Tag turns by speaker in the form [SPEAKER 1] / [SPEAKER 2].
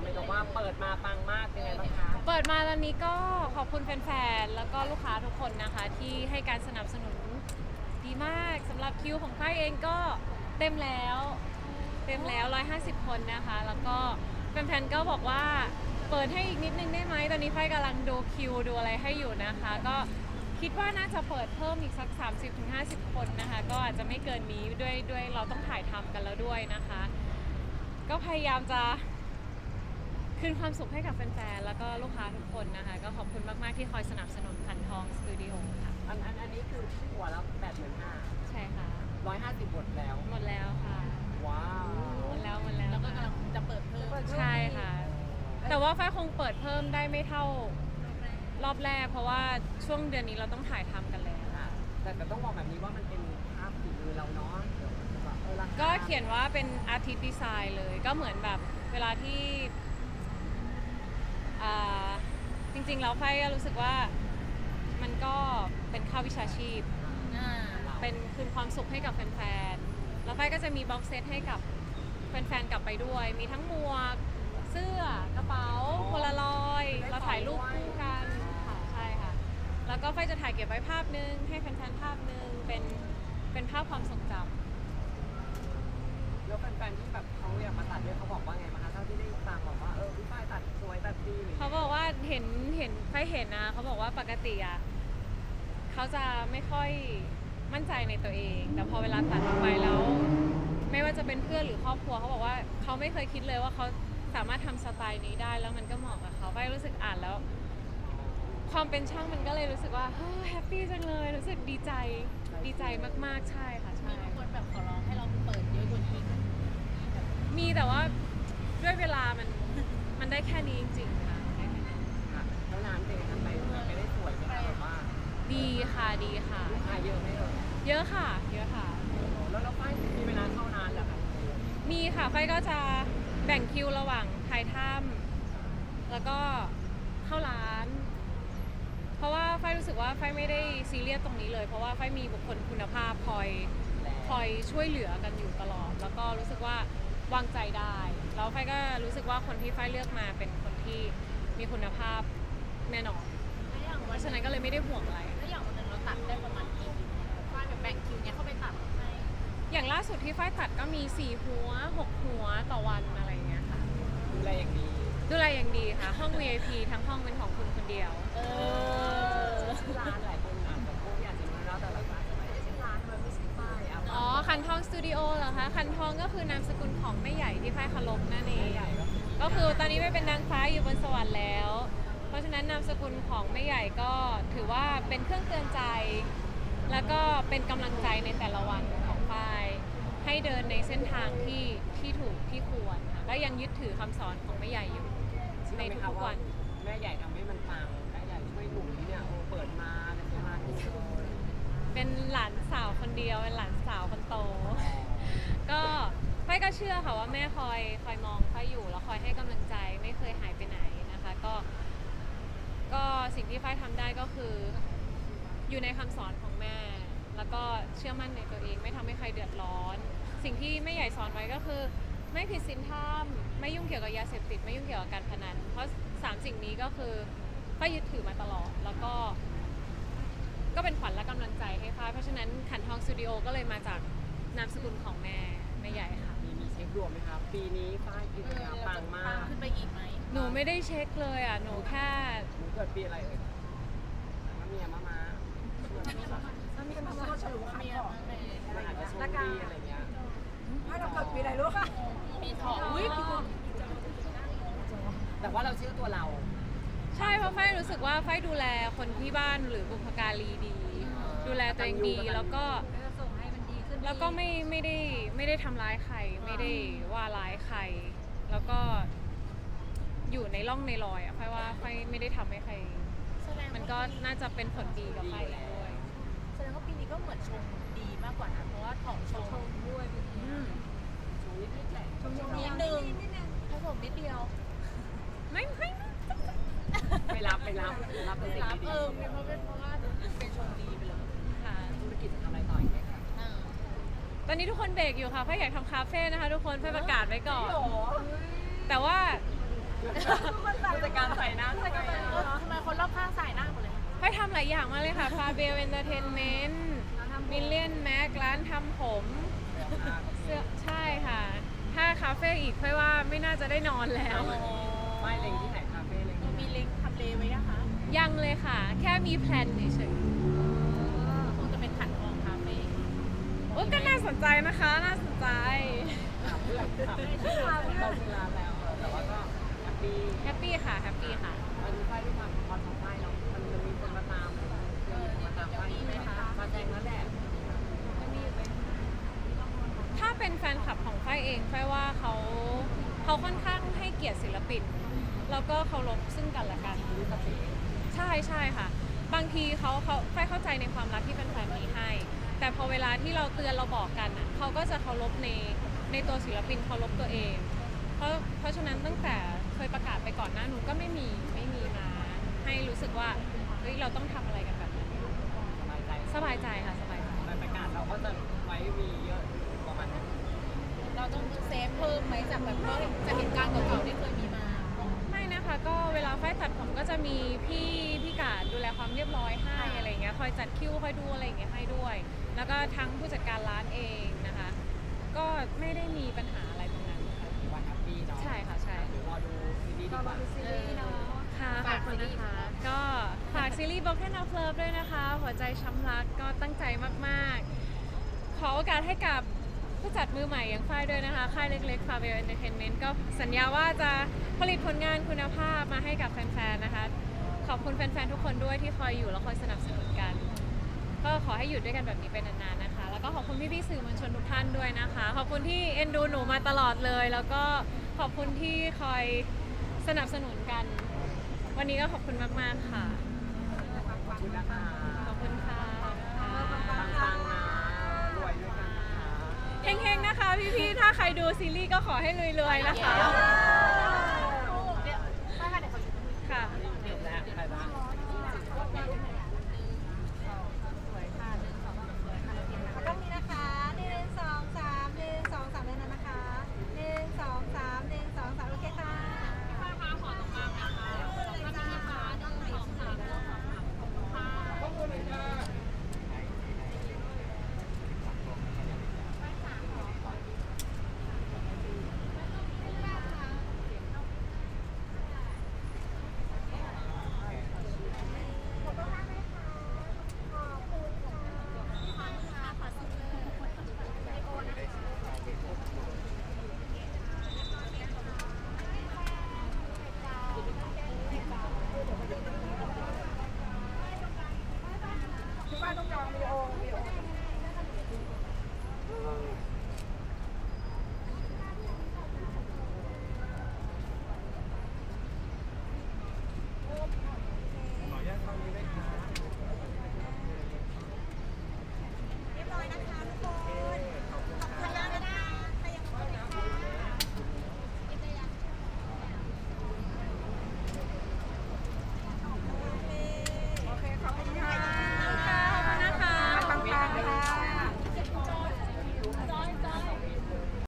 [SPEAKER 1] เลยกับว่าเปิดมาปังมากเป็นไงบ้างคะ
[SPEAKER 2] เปิดมาตอนนี้ก็ขอบคุณแฟนๆ แล้วก็ลูกค้าทุกคนนะคะที่ให้การสนับสนุนดีมากสำหรับคิวของค่ายเองก็เต็มแล้ว150 คนนะคะ แล้วก็แฟนๆ ก็บอกว่าเปิดให้อีกนิดนึงได้ไหมตอนนี้ค่ายกำลังดูคิวดูอะไรให้อยู่นะคะ ก็คิดว่าน่าจะเปิดเพิ่มอีกสัก 30-50 คนนะคะ ก็อาจจะไม่เกินนี้ด้วยเราต้องถ่ายทำกันแล้วด้วยนะคะ ก็พยายามจะคืนความสุขให้กับแฟนๆ แล้วก็ลูกค้าทุกคนนะคะ ก็ขอบคุณมากๆที่คอยสนับสนุนขันทองสตูดิโอค่ะ
[SPEAKER 1] อันนี้คือหัวละ85,000
[SPEAKER 2] ใช่ค่ะ
[SPEAKER 1] 150บทแล้ว
[SPEAKER 2] หมดแล้วค่ะ
[SPEAKER 1] ว้าว
[SPEAKER 2] หมดแล้ว
[SPEAKER 3] แล้วก็กำลังจะเปิดเพิ่ม
[SPEAKER 2] ใช่ค่ะ แต่ว่าฝ้ายคงเปิดเพิ่มได้ไม่เท่ารอบแรก เพราะว่าช่วงเดือนนี้เราต้องถ่ายทำกันแล้ว
[SPEAKER 1] ค่ะแต่ต้องบอกแบบนี้ว่ามันเป็นภาพฝีมือเราเนาะเดี๋ยวแบบราคา
[SPEAKER 2] ก็เขียนว่าเป็นอาร์ติสต์ดีไซน์เลย ก็เหมือนแบบเวลาที่จริงๆแล้วฝ้ายก็รู้สึกว่ามันก็เป็นค่าวิชาชีพ เป็นคืนความสุขให้กับแฟนๆ แล้วฝ้ายก็จะมีบ็อกเซตให้กับแฟนๆ กลับไปด้วย มีทั้งหมวก เสื้อ กระเป๋า โพลารอยด์เราถ่ายรูปคู่กันค่ะใช่ค่ะ แล้วก็ฝ้ายจะถ่ายเก็บไว้ภาพนึง ให้แฟนๆ ภาพนึง เป็นภาพความทรงจำ
[SPEAKER 1] แล้วแฟนๆที่แบบเขาอยากมาตัดเนี่ยเขาบอกว่าไงบ้างคะเท่าที่ได้ฟังบอกว่าพี่ฝ้ายตัดสวยตัดดี
[SPEAKER 2] เขาบอกว่าฝ้ายเห็นนะ เขาบอกว่าปกติอ่ะเขาจะไม่ค่อยมั่นใจในตัวเอง แต่พอเวลาตัดออกไปแล้ว ไม่ว่าจะเป็นเพื่อนหรือครอบครัวเขาบอกว่าเขาไม่เคยคิดเลยว่าเขาสามารถทำสไตล์นี้ได้แล้วมันก็เหมาะกับเขาฝ้ายรู้สึกอ่านแล้ว ความเป็นช่างมันก็เลยรู้สึกว่าแฮปปี้จังเลยรู้สึกดีใจมากๆใช่ค่ะใช่
[SPEAKER 3] มีคนแบบขอร้องให้เราเปิดเยอะกว่านี้
[SPEAKER 2] มีแต่ว่าด้วยเวลามันได้แค่นี้จริงๆค่ะได้แค่นี้
[SPEAKER 1] ค่ะแล้วร้านเจกันไปได้สวยไหมคะแบบว่า
[SPEAKER 2] ดีค่ะ
[SPEAKER 1] ลูกค้าเยอะไหมเอ่ย
[SPEAKER 2] เยอะค่ะ
[SPEAKER 1] แล้วฝ้ายมีเวลาเข้านานเหรอคะ
[SPEAKER 2] มีค่ะไฟก็จะแบ่งคิวระหว่างถ่ายถ้ำแล้วก็เข้าร้าน เพราะว่าไฟรู้สึกว่าไฟไม่ได้ซีเรียสตรงนี้เลย เพราะว่าไฟมีบุคคลคุณภาพคอยช่วยเหลือกันอยู่ตลอด แล้วก็รู้สึกว่าวางใจได้แล้วไฟก็รู้สึกว่าคนที่ไฟเลือกมาเป็นคนที่มีคุณภาพแน่นอนเพราะฉะนั้นก็เลยไม่ได้ห่วงอะไร
[SPEAKER 3] แล้วอย่างวันหนึ่งเราตัดได้ประมาณกี่ฝ้ายแบบแบ่งคิวเนี้ยเข้าไปตัดให้
[SPEAKER 2] อย่างล่าสุดที่ฝ้ายตัดก็มี4หัว6หัวต่อวันอะไรอย่างเงี้ยค่ะ
[SPEAKER 1] ดูแลอย่างดี
[SPEAKER 2] ดูแลอย่างดีค่ะ ห้อง VIP ทั้งห้องเป็นของคุณคนเดียว
[SPEAKER 1] ชื่อร้านหลายคนอาจจะพวกอยากจะรู้แล้วแต่ละร้านจะไม่ได้ชื่อร้านมันไม่ใช่ป้ายอ่ะ
[SPEAKER 2] อ๋อ คันทองสตูดิโอเหรอคะ คันทองก็คือนามสกุลของแม่ใหญ่ที่ฝ้ายเคารพนั่นเอง
[SPEAKER 1] ใหญ่ก็
[SPEAKER 2] ก็คือตอนนี้ไม่เป็นนางฟ้าอยู่บนสวรรค์แล้ว เพราะฉะนั้นนามสกุลของแม่ใหญ่ก็ถือว่าเป็นเครื่องเตือนใจ แล้วก็เป็นกำลังใจในแต่ละวันของฝ้าย ให้เดินในเส้นทางที่ถูกที่ควรค่ะและยังยึดถือคำสอนของแม่ใหญ่อยู่ในทุกๆวัน
[SPEAKER 1] แม่ใหญ่ทำให้มันปังแม่ใหญ่ช่วยหนุ่มเนี่ยเปิดมาในประมาณนี้เลย
[SPEAKER 2] เป็นหลานสาวคนเดียวเป็นหลานสาวคนโต ก็ฝ้ายก็เชื่อค่ะว่าแม่คอยมองฝ้ายอยู่แล้วคอยให้กำลังใจไม่เคยหายไปไหนนะคะ ก็สิ่งที่ฝ้ายทำได้ก็คืออยู่ในคำสอนของแม่ แล้วก็เชื่อมั่นในตัวเองไม่ทำให้ใครเดือดร้อน สิ่งที่แม่ใหญ่สอนไว้ก็คือ ไม่ผิดศีลธรรมไม่ยุ่งเกี่ยวกับยาเสพติดไม่ยุ่งเกี่ยวกับการพนันเพราะ3 สิ่งนี้ก็คือฝ้ายยึดถือมาตลอดแล้วก็เป็นขวัญและกำลังใจให้ฝ้ายเพราะฉะนั้นขันทองสตูดิโอก็เลยมาจากนามสกุลของแม่ใหญ่ค่ะ
[SPEAKER 1] มีเช็คดวงไหมครับปีนี้ฝ้ายกิจกรรมปังมาก
[SPEAKER 3] ขึ้นไปอีกไหม
[SPEAKER 2] หนูไม่ได้เช็คเลยอ่ะหนูแค่
[SPEAKER 1] หนูเกิดปีอะไรเอ่ยมะเมียมะม้า
[SPEAKER 4] มันมีคนมาฉลุคำบอก
[SPEAKER 1] มันอาจจะโชคดีอะไรเงี้ย
[SPEAKER 4] ถ้าเราเกิดปีอะไรรู้ค่ะ
[SPEAKER 3] มีทอง
[SPEAKER 1] แต่ว่าเราเชื่อตัวเรา
[SPEAKER 2] ใช่เพราะฝ้ายรู้สึกว่าฝ้ายดูแลคนที่บ้านหรือบุพการีดี ดูแลตัวเองดีแล้วก็
[SPEAKER 4] จะส่งให้มันดีขึ้น
[SPEAKER 2] แล้วก็ไม่ได้ทำร้ายใครไม่ได้ว่าร้ายใคร แล้วก็อยู่ในร่องในรอยอ่ะฝ้ายว่าฝ้ายไม่ได้ทำให้ใคร มันก็น่าจะเป็นผลดีกับฝ้ายเองด้วย
[SPEAKER 3] แสดงว่าปีนี้ก็เหมือนชงดีมากกว่านะเพราะว่าทองชง
[SPEAKER 4] ด้วยปีนี้
[SPEAKER 2] อืม
[SPEAKER 1] ชงนิดๆแหละ
[SPEAKER 4] ชม
[SPEAKER 3] นิดนึงผสมนิดเดียว
[SPEAKER 2] ไม่
[SPEAKER 1] ไปรับเป็นสิ่ง
[SPEAKER 3] รับ
[SPEAKER 1] ดี
[SPEAKER 3] เพราะว่าเป็นชงดีไปเลย
[SPEAKER 2] ค่ะ
[SPEAKER 1] ธุรกิจจะทำอะไรต่ออีกไหมคะ
[SPEAKER 2] ตอนนี้ทุกคนเบรกอยู่ค่ะฝ้ายอยากทำคาเฟ่นะคะทุกคนฝ้ายประกาศไว้ก่อน แต่ว่า
[SPEAKER 1] ผู้จัดการใส่หน้าใส่หน้า
[SPEAKER 3] ทำไมคนรอบข้างสายหน้าหมดเลย
[SPEAKER 2] ค่อยทำหลายอย่างมากเลยค่ะพาเบลเอนเตอร์เทนเมนต์มิลเลียนแม็กร้านทำผมเสื้อใช่ค่ะ ถ้าคาเฟ่อีกค่อยว่าไม่น่าจะได้นอนแล้ว
[SPEAKER 1] ไม่เล็งที่ไหนคาเฟ่เล็ง
[SPEAKER 3] มีเล็งทำเลไว้นะคะ
[SPEAKER 2] ยังเลยค่ะ แค่มีแพลนเฉย
[SPEAKER 3] คงจะเป็นขันทองคาเฟ่
[SPEAKER 2] ๆโอ้ก็น่าสนใจนะคะ น่าสนใจ
[SPEAKER 1] เพื่อนเราเป็นร้านแล้วแต่ว่าก็แฮปปี้
[SPEAKER 2] แฮปปี้ค่ะ แฮปปี้ค่ะ
[SPEAKER 1] มันไฟด้วยความพอทำไฟเนาะมันจะมีคนมาตามมาตามไฟไหมคะมาแจงแล้วแหละ
[SPEAKER 2] ถ้าเป็นแฟนคลับของฝ้ายเองฝ้ายว่าเขาค่อนข้างให้เกียรติศิลปิน แล้วก็เคารพซึ่งกันและกัน
[SPEAKER 1] มีสติ
[SPEAKER 2] ใช่ใช่ค่ะ บางทีฝ้ายเข้าใจในความรักที่แฟนๆมีให้ แต่พอเวลาที่เราเตือนเราบอกกันอ่ะเขาก็จะเคารพในตัวศิลปินเคารพตัวเอง เพราะฉะนั้นตั้งแต่เคยประกาศไปก่อนหน้านู้นก็ไม่มีมาให้รู้สึกว่าเฮ้ยเราต้องทำอะไรกันแบบนั้น
[SPEAKER 1] สบายใจ
[SPEAKER 2] สบายใจค่ะสบายใจ
[SPEAKER 1] ในประกาศเราก็จะไว้มีเยอะประมาณนี้
[SPEAKER 3] เราต้องเซฟเพิ่มไหมจากแบบจากเหตุการณ์เก่าๆที่เคยมีมา
[SPEAKER 2] ไม่นะคะก็เวลาฝ้ายตัดผมก็จะมีพี่กาดดูแลความเรียบร้อยให้อะไรอย่างเงี้ยคอยจัดคิวคอยดูอะไรอย่างเงี้ยให้ด้วย แล้วก็ทั้งผู้จัดการร้านเองนะคะ ก็ไม่ได้มีปัญหาอะไรตรงนั้นค่ะ
[SPEAKER 1] วันแฮปปี้เนาะ
[SPEAKER 2] ใช่ค่ะใช่
[SPEAKER 1] เดี๋ยวรอดูซีรีส์ดีกว่า
[SPEAKER 2] ค่ะขอบคุณนะคะ ก็ฝากซีรีส์ Broken of Love ด้วยนะคะ หัวใจช้ำรักก็ตั้งใจมากๆ ขอโอกาสให้กับผู้จัดมือใหม่อย่างฝ้ายด้วยนะคะ ค่ายเล็กๆ Fabel Entertainment ก็สัญญาว่าจะผลิตผลงานคุณภาพมาให้กับแฟนๆ นะคะ ขอบคุณแฟนๆ ทุกคนด้วยที่คอยอยู่และคอยสนับสนุนกัน ก็ขอให้อยู่ด้วยกันแบบนี้เป็นนานๆ นะคะ แล้วก็ขอบคุณพี่ๆ สื่อมวลชนทุกท่านด้วยนะคะ ขอบคุณที่เอ็นดูหนูมาตลอดเลย แล้วก็ขอบคุณที่คอยสนับสนุนกัน วันนี้ก็ขอบคุณมากๆ ค่ะ
[SPEAKER 1] ขอบคุณนะคะ
[SPEAKER 2] ขอบคุณค่ะ
[SPEAKER 1] ปังๆนะรวยด้วยกันนะคะ
[SPEAKER 2] เฮงๆ นะคะพี่ๆ ถ้าใครดูซีรีส์ก็ขอให้รวยๆ นะคะ ค่ะ
[SPEAKER 1] เดี๋ยวแล้วไปบ้าง
[SPEAKER 4] กล้องนี้นะคะ1 2 3 1 2 3เลยนะคะ1 2 3 1 2 3โอเคค่ะพี่ป้าต้องจองวีดีโอ